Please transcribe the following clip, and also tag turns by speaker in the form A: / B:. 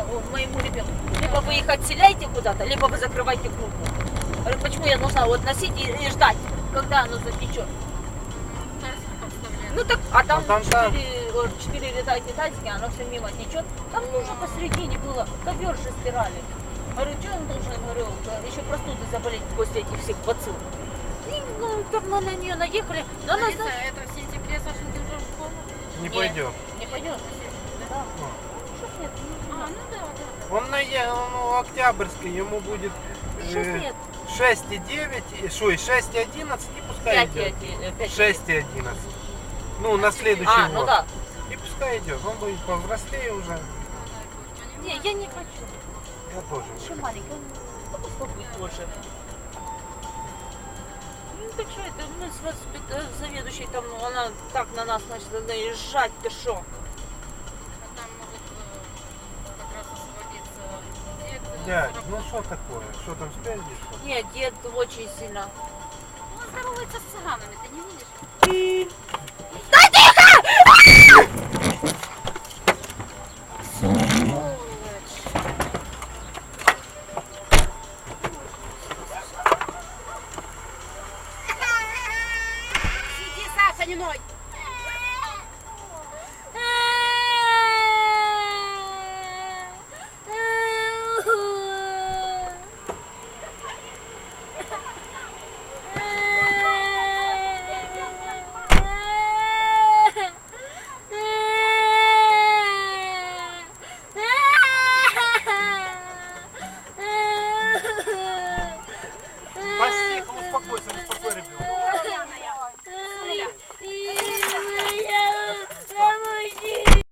A: моему ребенку: либо вы их отселяете куда-то, либо вы закрываете группу. Говорю, почему я должна вот носить и ждать, когда оно затечет? Ну так, а там 4 ряда китайские, оно все мимо течет. Там нужно посередине было, ковер же стирали. Говорю, что он должен, говорю, еще простуды заболеть после этих всех бацилл. И ну, так мы на нее наехали. Но она,
B: Алиса, это в сентябре, Саша, ты уже в школу?
C: Не пойдет.
A: Не пойдет. Да. Что нет?
B: А, ну да, да.
C: Он на Октябрьской, ему будет 6,9, 6,11 и пускай идет. 6,11. Ну, на следующий
A: ну
C: год.
A: да.
C: И пускай идет. Он будет повзрослее уже.
A: Не, я не хочу.
C: Я тоже.
A: Еще маленький, он попробует тоже. Ну так что это, мы с заведующей там, она так на нас начала наезжать, ты шо?
B: А там могут как раз освободиться дед.
C: Дядь, ну что такое? Что там спереди? Что?
A: Нет, дед очень сильно.
B: Он здоровается с цыганами, ты не видишь?
A: Да